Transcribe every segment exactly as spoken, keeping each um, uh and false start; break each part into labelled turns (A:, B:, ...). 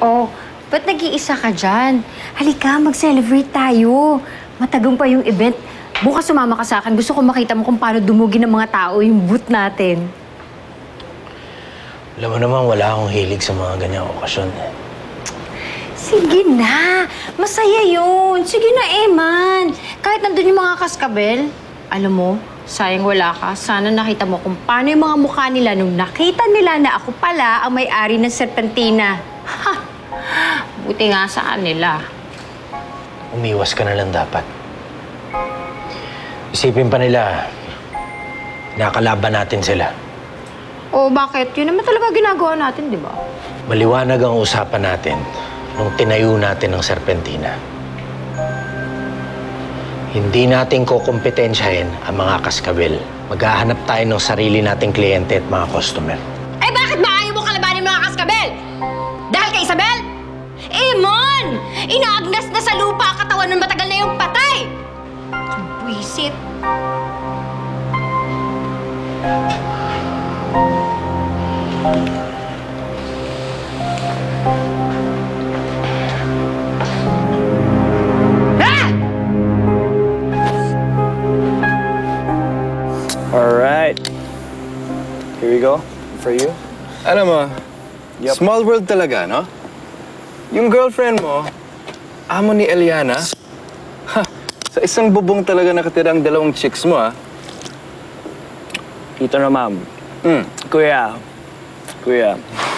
A: Oh, ba't nag-iisa ka dyan? Halika, mag-celebrate tayo. Matagumpay yung event. Bukas sumama ka sa akin. Gusto ko makita mo kung paano dumugi ng mga tao yung booth natin.
B: Alam mo naman, wala akong hilig sa mga ganyang okasyon.
A: Sige na. Masaya yun. Sige na, Eman. Kahit nandun yung mga kaskabel, alam mo, sayang wala ka. Sana nakita mo kung paano yung mga mukha nila nung nakita nila na ako pala ang may-ari ng Serpentina. Ha! Buti nga sa kanila.
B: Umiwas ka na lang dapat. Isipin pa nila, nakalaban natin sila.
A: O bakit? Yun naman talaga ginagawa natin, di ba?
B: Maliwanag ang usapan natin nung tinayo natin ang Serpentina. Hindi natin kukumpetensyahin ang mga kaskabel. Maghahanap tayo ng sarili nating kliyente at mga customer.
A: Eh bakit ba ayaw mo kalabanin mga kaskabel? Dahil kay Isabel? Emon! Inaagnas na sa lupa ang katawan ng matagal na yung patay! Ang buwisit.
C: Alright. Here we go. For you.
D: Alam mo,
C: Yep.
D: small world talaga, no? Yung girlfriend mo, amo ni Eliana, ha, sa isang bubong talaga nakatira ang dalawang chicks mo, ah.
C: Ito na, ma'am.
D: Hmm.
C: Kuya. Kuya.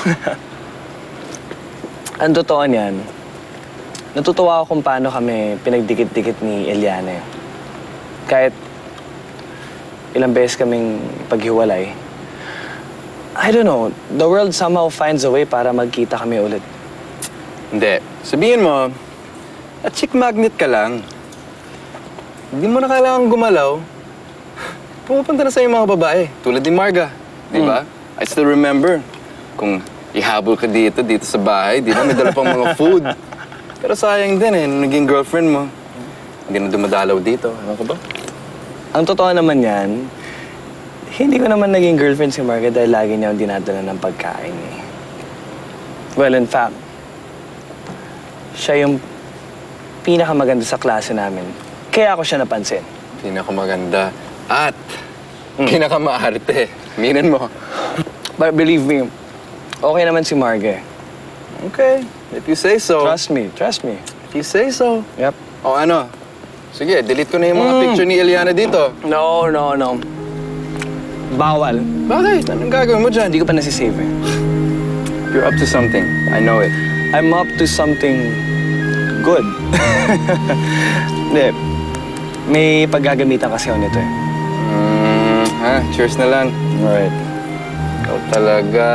C: Ang totoo niyan, natutuwa ako kung paano kami pinagdikit-dikit ni Eliana. Kahit ilang beses kaming paghiwalay. I don't know, the world somehow finds a way para magkita kami ulit.
D: Hindi. Sabihin mo, at chick magnet ka lang. Hindi mo na kailangan gumalaw. Pumupunta na sa'yo yung mga babae, tulad ni Marga. Di ba? I still remember. Kung ihabol ka dito, dito sa bahay, di ba? May dala pang mga food. Pero sayang din eh, nung naging girlfriend mo. Hindi na dumadalaw dito. Ano ka ba?
C: Ang totoo naman yan, hindi ko naman naging girlfriend si Marga dahil lagi niya akong dinadala ng pagkain eh. Well, in fact, siya yung pinakamaganda sa klase namin. Kaya ako siya napansin.
D: Pinakamaganda. At mm. pinakamaarte. Minin mo.
C: But believe me, okay naman si Marga.
D: Okay. If you say so.
C: Trust me, trust me.
D: If you say so.
C: Yep.
D: O ano? Sige, delete ko na yung mga
C: Mm.
D: picture ni Eliana dito.
C: No, no, no. Bawal.
D: Bakit? Anong gagawin mo dyan?
C: Hindi ko pa nasisave eh.
D: You're up to something. I know it.
C: I'm up to something good. Hindi. May paggagamitan kasi ako nito eh.
D: Mm, ha? Cheers na lang.
C: Alright.
D: Ikaw talaga.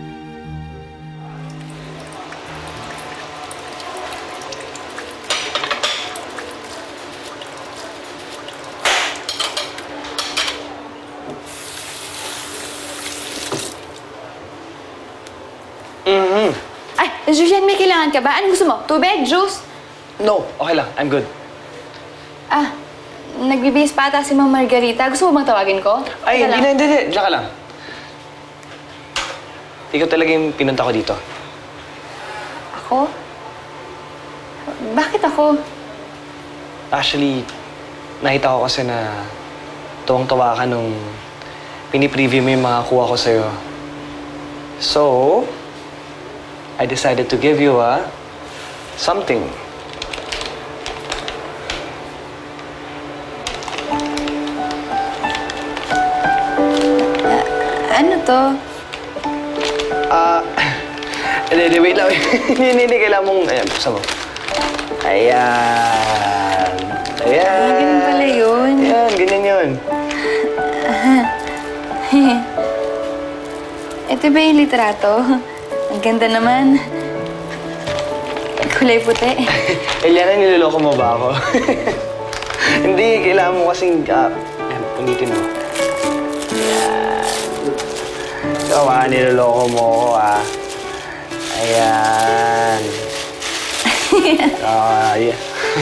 C: Mm-hmm.
E: Ay, Julian, may kailangan ka ba? Anong gusto mo? Tubig? Juice?
C: No, okay lang. I'm good.
E: Ah, nagbibihis pa ata si Ma'am Margarita. Gusto mo bang tawagin ko?
C: Ay,
E: Teka
C: hindi
E: lang.
C: na, hindi, hindi. Diyan ka lang. Ikaw talaga yung pinunta ko dito.
E: Ako? Bakit ako?
C: Actually, nakita ko kasi na tuwang-tuwa ka nung pinipreview mo yung mga kuha ko sa'yo. So, I decided to give you a something.
E: Ano to?
C: Ah, hindi, hindi, wait lang. Hindi, hindi, hindi. Kailangan mong, ayan, buksan mo. Ayan. Ayan.
E: Ah, ganun pala yun.
C: Ayan, ganyan yun.
E: Ito ba yung litrato? Ang ganda naman. Kulay puti.
C: Eliana, niloloko mo ba ako? Hindi, kailangan mo kasing, ah, ayan, punitin mo. Ayan. Ikaw, ah, niloloko mo ako, ah. Ayan. Ah, yeah.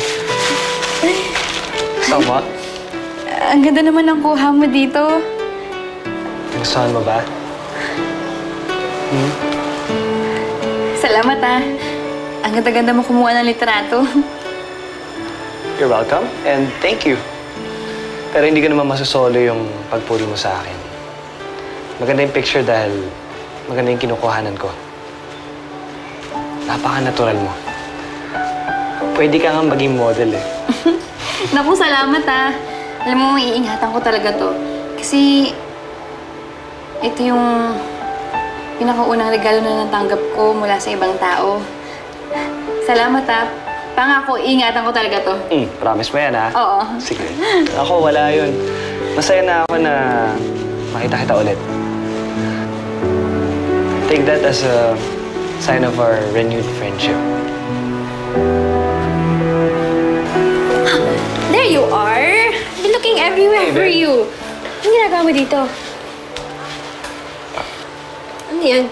C: Sama?
E: Ang ganda naman ng kuha mo dito.
C: Gustuhan mo ba? Hmm?
E: Salamat, ah. Ang ganda-ganda mo kumuha ng litrato.
C: You're welcome, and thank you. Pero hindi ko naman masasolo yung pagpuri mo sa akin. Maganda yung picture dahil maganda yung kinukuhanan ko. Napaka-natural mo. Pwede ka nga maging model eh.
E: Naku, salamat ah. Alam mo, iingatan ko talaga to. Kasi ito yung pinakaunang regalo na natanggap ko mula sa ibang tao. Salamat ah. Pangako, iingatan ko talaga to.
C: Mm, promise mo yan, ha?
E: Oo.
C: Sige. Ako, wala yun. Masaya na ako na makita kita ulit. Take that as a sign of our renewed friendship.
A: There you are! Been looking everywhere
C: Hey,
A: for
C: babe.
A: you. Anong ginagawa mo dito? Ano yan?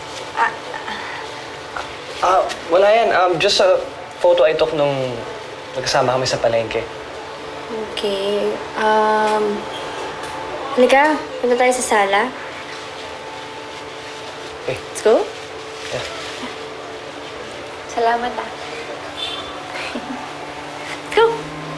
C: Ah, wala yan. Um, just a photo I took nung magkasama kami sa palengke.
A: Okay. Um... Halika, punta tayo sa sala.
C: Okay.
A: Let's go.
C: Yeah.
A: Salamat ah. Let's go.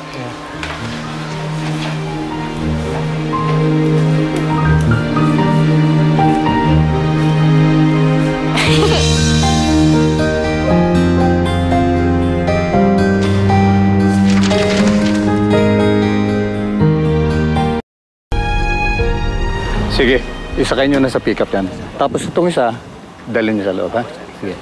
F: Sige, isakay nyo na sa pick-up yan. Tapos itong isa, dalhin nyo sa loob, ha? Sige.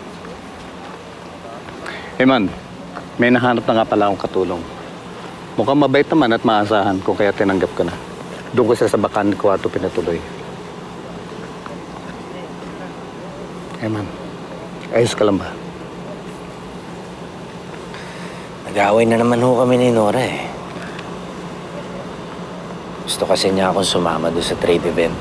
F: Hey man, may nahanap na nga pala akong katulong. Mukhang mabait naman at maasahan kung kaya tinanggap ko na. Doon ko siya sa bakan kwarto pinatuloy. Hey man, ayos ka lang ba?
B: Nag-away na naman ho kami ni Nora eh. Gusto kasi niya akong sumama doon sa trade event.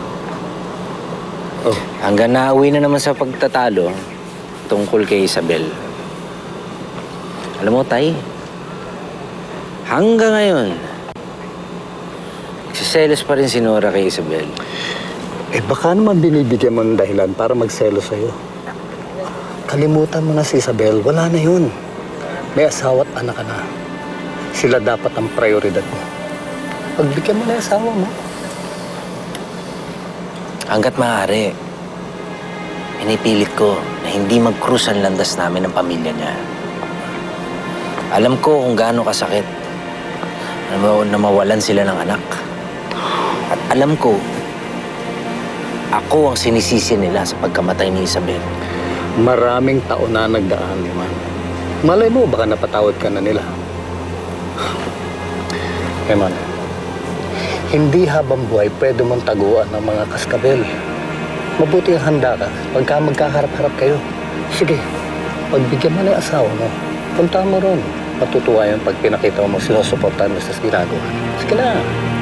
F: Oh.
B: Hanggang nauwi na naman sa pagtatalo tungkol kay Isabel. Alam mo, Tay, hanggang ngayon, nagsiselos pa rin si Nora kay Isabel.
F: Eh baka naman binibigyan mo ng dahilan para magselo sa'yo. Kalimutan mo na si Isabel, wala na yun. May asawa at anak ka na. Sila dapat ang prioridad mo. Pagbigyan mo na yung asawa mo.
B: Hanggat maaari, pinipilit ko na hindi mag-cruise ang landas namin ng pamilya niya. Alam ko kung gaano kasakit na ma- na mawalan sila ng anak. At alam ko, ako ang sinisisi nila sa pagkamatay ni Isabel.
F: Maraming taon na nagdaan, Liman. Malay mo, baka napatawad ka na nila. Liman, hindi habang buhay pwede mong taguan ng mga kaskabel. Mabuti ang handa ka pagka magkaharap-harap kayo. Sige, pagbigyan mo na yung asawa mo, punta mo ron. Matutuwa yun pag pinakita mo sinusuportahan mo sa ginagawa. Sige na.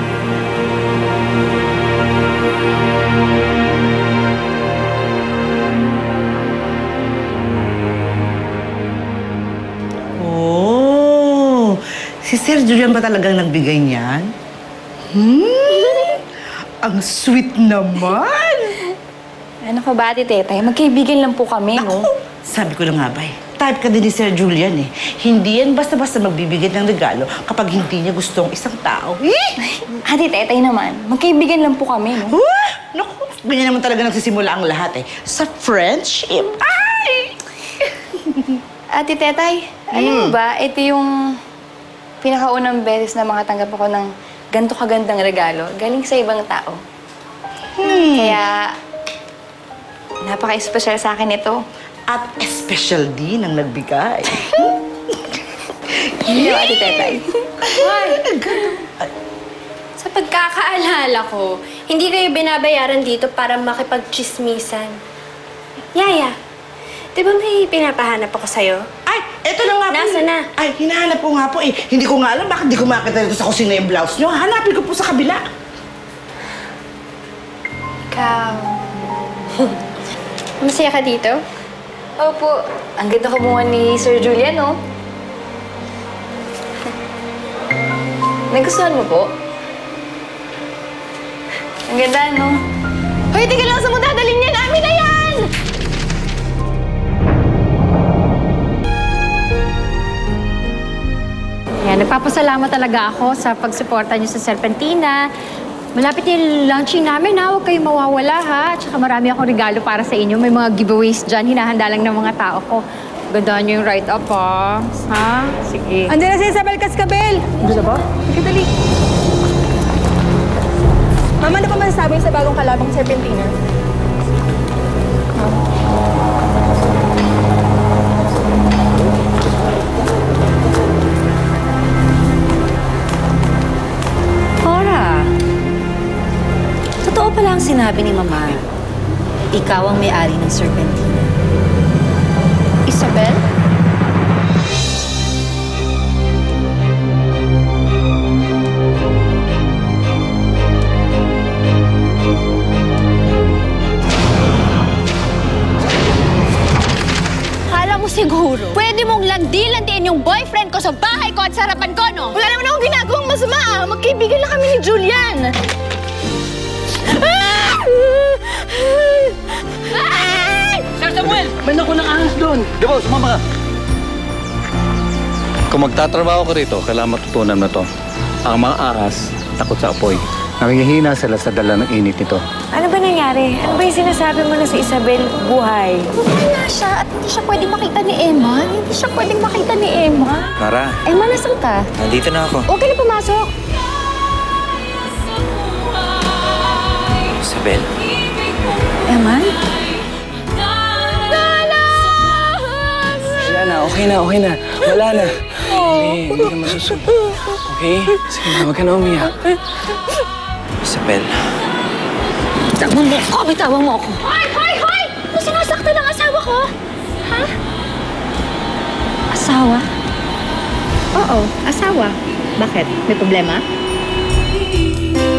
G: Oh, si Sir Julian ba talagang nagbigay niyan? Hmm? Ang sweet naman!
E: Ano ka ba, Ate Tetay? Magkaibigan lang po kami, no?
G: Naku, sabi ko na nga ba eh. Type ka din ni Sir Julian eh. Hindi yan basta-basta magbibigay ng regalo kapag hindi niya gusto ang isang tao. Eh!
E: Ate Tetay naman, magkaibigan lang po kami, no?
G: Huh? Naku, ganyan naman talaga nagsisimula ang lahat eh. Sa friendship. Ay!
E: Ate Tetay, alam mo ba, ito yung pinakaunang beses na makatanggap ako ng ganito kagandang regalo galing sa ibang tao. Kaya, napaka-espesyal sa akin ito.
G: At special din ang nagbigay.
E: Hindi Ate Tetay.
H: Sa pagkakaalala ko, hindi kayo binabayaran dito para makipagchismisan. Yaya, di ba may pinapahanap ako sa'yo?
G: Ay, eto na nga po.
H: Nasaan na?
G: Ay, hinahanap ko nga po eh. Hindi ko nga alam bakit di ko makita dito sa kusina yung blouse nyo. Hanapin ko po sa kabila.
H: Ikaw. Masaya ka dito?
E: Opo, ang ganda kumuha ni Sir Julian, no? Nagustuhan mo po? Ang ganda, no? Hoy, tingnan lang sa mo dadalhin niya namin na yan!
A: Yan, nagpapasalamat talaga ako sa pagsuporta niyo sa Serpentina. Malapit yung launching namin, ha? Huwag kayong mawawala, ha? Tsaka marami akong regalo para sa inyo. May mga giveaways dyan, hinahanda lang ng mga tao ko. Gandaan niyo yung write-up, ha? Ha? Sige.
I: Andiyan na si Isabel Cascabel! Andiyan ba? Sige, dali. Mama, ano pa masasabi sa bagong kalabang Serpentina?
J: Cora, totoo pala ang sinabi ni Mama. Ikaw ang may-ari ng Serpentina.
A: Isabel? Kala mo siguro, pwede mong landi-landiin yung boyfriend ko sa bahay ko at sa harapan ko, no?
I: Wala naman akong ginagawang masama, ah. Magkaibigan lang kami ni Julian.
G: Sir Samuel! May naku ng ahas doon!
F: Di ba, sumama ka. Kung magtatrabaho ka rito, kailangan matutunan mo to. Ang mga ahas, takot sa apoy. Nangihina sila sa dala ng init nito.
H: Ano ba nangyari? Ano ba yung sinasabi mo na si Isabel buhay?
A: Wala siya at hindi siya pwedeng makita ni Emma. Hindi siya pwedeng makita ni Emma.
B: Mara,
A: Emma, nasan ka?
B: nandito na ako.
A: Huwag ka na pumasok.
B: Isabel,
A: Emma?
C: Wala na, okay na, okay na. Wala na. Okay, hindi ka masusunod. Okay? Sige na, huwag ka na umiyak.
B: Isabel.
A: Bitawan mo ako! Bitawan mo ako! Hoy! Hoy! Hoy! Ano sinasaktan ng asawa ko? Ha? Asawa? Oo, asawa. Bakit? May problema?